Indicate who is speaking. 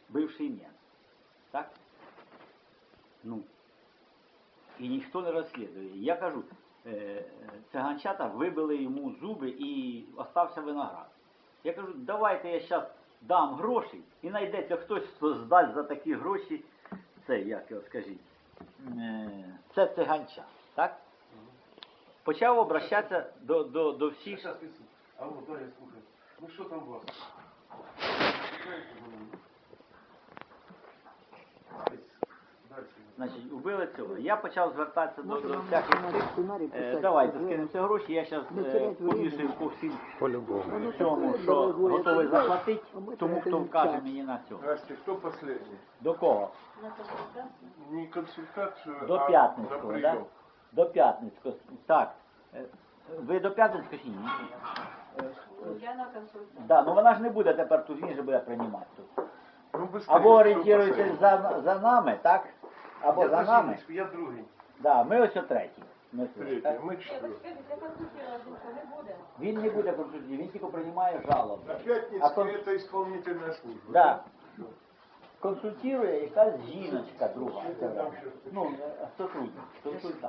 Speaker 1: бивший мент. Так? Ну. І ніхто не розслідує. Я кажу, циганчата вибили йому зуби і остався виноград. Я кажу, давайте я зараз дам гроші і знайдеться хтось, хто здасть за такі гроші, це, як його скажіть, це циганча. Так? Почав обращатися до всіх.
Speaker 2: Алло, да, я слухаю. Ну що там у вас?
Speaker 1: Значить, убили цього. Я почав звертатися до всяких цих. Давайте скинемося гроші, я зараз повішую по всім цьому, що готовий заплатити, тому хто вкаже мені на цього.
Speaker 2: Здрасте, кто последний?
Speaker 1: До кого?
Speaker 2: Не консультацию,
Speaker 1: До
Speaker 2: а на
Speaker 1: П'ятницького, так?
Speaker 2: прием.
Speaker 1: До П'ятницького. Так. Ви до П'ятницького чи ні?
Speaker 3: Я на консультацію.
Speaker 1: Да, ну вона ж не буде тепер тут, він же буде приймати тут.
Speaker 2: Ну, быстрее,
Speaker 1: Або
Speaker 2: кто
Speaker 1: орієнтуєтесь
Speaker 2: последний?
Speaker 1: за нами, так? Або
Speaker 2: Я
Speaker 1: за
Speaker 2: на
Speaker 1: нами.
Speaker 2: Зіночку, я другий.
Speaker 1: Да, ми ось о третій. Ми ось,
Speaker 2: Третій,
Speaker 1: так?
Speaker 2: ми
Speaker 3: Ні,
Speaker 2: четвертий.
Speaker 3: почекайте, це консультація не буде.
Speaker 1: Він не буде консультувати, він тільки приймає жалоби.
Speaker 2: На
Speaker 1: А
Speaker 2: Пятницкой это исполнительная служба.
Speaker 1: Да. Консультує якась жіночка друга. Ну, сотрудник, консультант.